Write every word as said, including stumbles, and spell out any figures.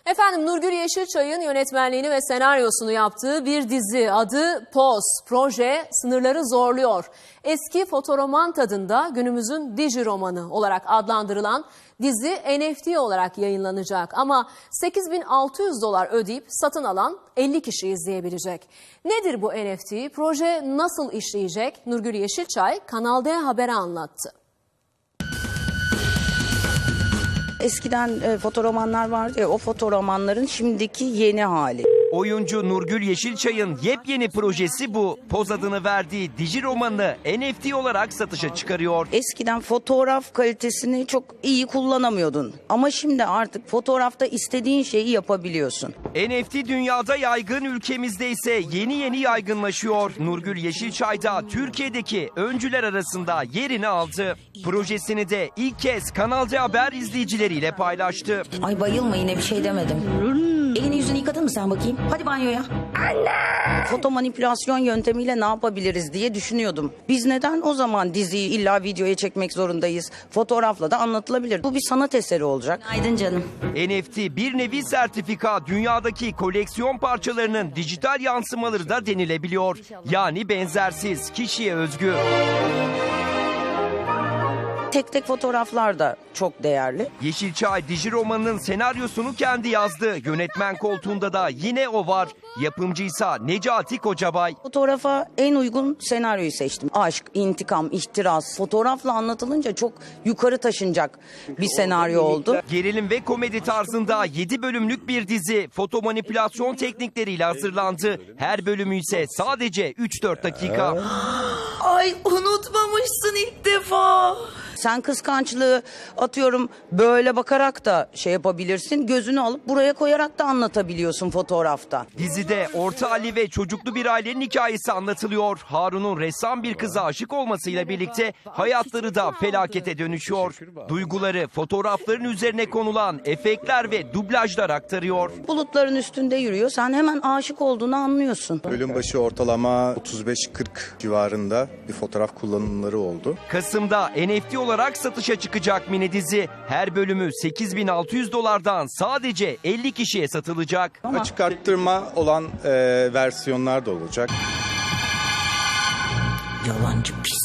Efendim Nurgül Yeşilçay'ın yönetmenliğini ve senaryosunu yaptığı bir dizi adı Poz. Proje sınırları zorluyor. Eski fotoroman tadında günümüzün diji romanı olarak adlandırılan dizi N F T olarak yayınlanacak. Ama sekiz bin altı yüz dolar ödeyip satın alan elli kişi izleyebilecek. Nedir bu N F T? Proje nasıl işleyecek? Nurgül Yeşilçay Kanal D Haber'e anlattı. Eskiden e, fotoromanlar vardı ya, o fotoromanların şimdiki yeni hali. Oyuncu Nurgül Yeşilçay'ın yepyeni projesi bu. Poz adını verdiği diji romanını N F T olarak satışa çıkarıyor. Eskiden fotoğraf kalitesini çok iyi kullanamıyordun. Ama şimdi artık fotoğrafta istediğin şeyi yapabiliyorsun. N F T dünyada yaygın, ülkemizde ise yeni yeni yaygınlaşıyor. Nurgül Yeşilçay da Türkiye'deki öncüler arasında yerini aldı. Projesini de ilk kez Kanal D Haber izleyicileriyle paylaştı. Ay bayılma, yine bir şey demedim. Elini yüzünü yıkadın mı sen bakayım? Hadi banyoya. Foto manipülasyon yöntemiyle ne yapabiliriz diye düşünüyordum. Biz neden o zaman diziyi illa videoya çekmek zorundayız? Fotoğrafla da anlatılabilir. Bu bir sanat eseri olacak. Aydın canım. N F T bir nevi sertifika, dünyadaki koleksiyon parçalarının dijital yansımaları da denilebiliyor. Yani benzersiz, kişiye özgü. Tek tek fotoğraflar da çok değerli. Yeşilçay diji romanının senaryosunu kendi yazdı. Yönetmen koltuğunda da yine o var. Yapımcıysa Necati Kocabay. Fotoğrafa en uygun senaryoyu seçtim. Aşk, intikam, ihtiras. Fotoğrafla anlatılınca çok yukarı taşınacak bir senaryo oldu. Gerilim ve komedi tarzında yedi bölümlük bir dizi foto manipülasyon teknikleriyle hazırlandı. Her bölümü ise sadece üç dört dakika. Ay unutmamışsın ilk defa. Sen kıskançlığı atıyorum böyle bakarak da şey yapabilirsin. Gözünü alıp buraya koyarak da anlatabiliyorsun fotoğrafta. Dizide Orta Ali ve çocuklu bir ailenin hikayesi anlatılıyor. Harun'un ressam bir kıza aşık olmasıyla birlikte hayatları da felakete dönüşüyor. Duyguları fotoğrafların üzerine konulan efektler ve dublajlar aktarıyor. Bulutların üstünde yürüyor. Sen hemen aşık olduğunu anlıyorsun. Bölüm başı ortalama otuz beş kırk civarında bir fotoğraf kullanımları oldu. Kasım'da N F T olarak satışa çıkacak mini dizi. Her bölümü sekiz bin altı yüz dolardan sadece elli kişiye satılacak. Açık arttırma olan e, versiyonlar da olacak. Yalancı pis.